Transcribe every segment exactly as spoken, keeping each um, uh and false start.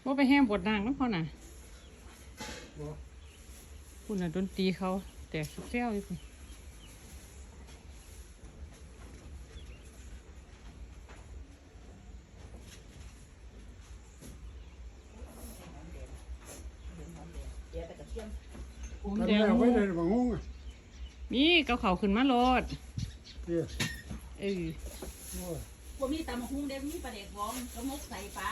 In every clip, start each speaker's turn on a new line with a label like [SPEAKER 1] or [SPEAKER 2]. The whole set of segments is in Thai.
[SPEAKER 1] ว่าไปแห้งปวดนางน้ำเขาน่ะคุณน่ะดนตรีเขาแต่เซี่ยวอยู่คุณ
[SPEAKER 2] ทำแล้วไว้เลยบางงงอ่ะ
[SPEAKER 1] นี่เกาเขาขึ้นมาโลด
[SPEAKER 2] เดี๋ยว
[SPEAKER 1] เออ
[SPEAKER 2] โอ้ย
[SPEAKER 3] บ่มีตำหุ้งเด้มีปลาเด็กวองก็มุกใส่ปลา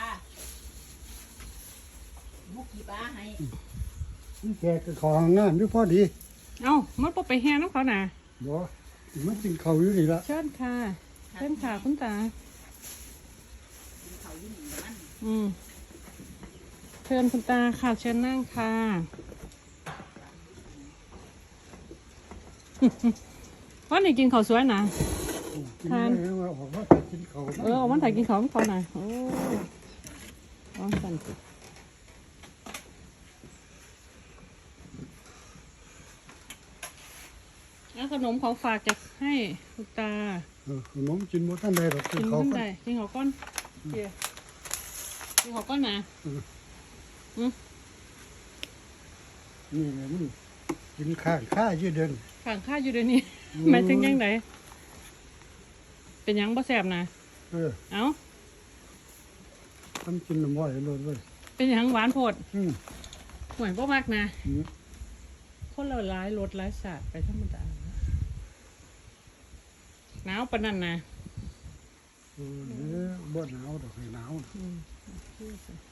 [SPEAKER 3] มุกกี่ปลาให้
[SPEAKER 2] มันแกก็ของงานด้วยพอดี
[SPEAKER 1] เอ้ามันบ่ไปแห้งน้ำเขาน่ะ
[SPEAKER 2] บ่มันกินข้าวอยู่นี่ละ
[SPEAKER 1] เชิญค่ะเชิญค่ะคุณตา
[SPEAKER 3] เขาอยู่นี่มัน
[SPEAKER 1] อืมเชิญคุณตาค่ะเชิญนั่งค่ะ ว่าไหนกินข้าวสวยนะ
[SPEAKER 2] กิน
[SPEAKER 1] ทาน
[SPEAKER 2] ได้ว่าออกมากินข้าว
[SPEAKER 1] เออเอาวันถ่ายกินข้าวมันเขาหน่อยโอ้ร้อนสั่นสิแล้วขนมของฝากจะให้คุณตา
[SPEAKER 2] เออขนมกินบ่ทันได้หรอกกิ
[SPEAKER 1] กิ
[SPEAKER 2] น
[SPEAKER 1] น
[SPEAKER 2] ข้าว
[SPEAKER 1] ขึ้น
[SPEAKER 2] ก่อน
[SPEAKER 1] ได้กินข้าวก้อนเดี๋ยวกินข้าวก้อนนะ
[SPEAKER 2] นี่ไงมันกินข้างข้ายืดเดิน
[SPEAKER 1] ข้างข้าอยู่เดี๋ยวนี้
[SPEAKER 2] อืม
[SPEAKER 1] หมายถึงยังไงเป็นหยังบ่แสบนะ
[SPEAKER 2] เออ
[SPEAKER 1] เอ้า
[SPEAKER 2] ทำกินน้ำอ้อยโลดเลย
[SPEAKER 1] เป็นหยังหวานโพด
[SPEAKER 2] อืม
[SPEAKER 1] ห่วยบ่มากนะ
[SPEAKER 2] อืม
[SPEAKER 1] คนเราร้ายรถร้ายศาสตร์ไปธรรมดาหนาวปานนั้นนะ
[SPEAKER 2] เออเดี๋ยวบ่หนาวดอกให้หนาว
[SPEAKER 1] อืม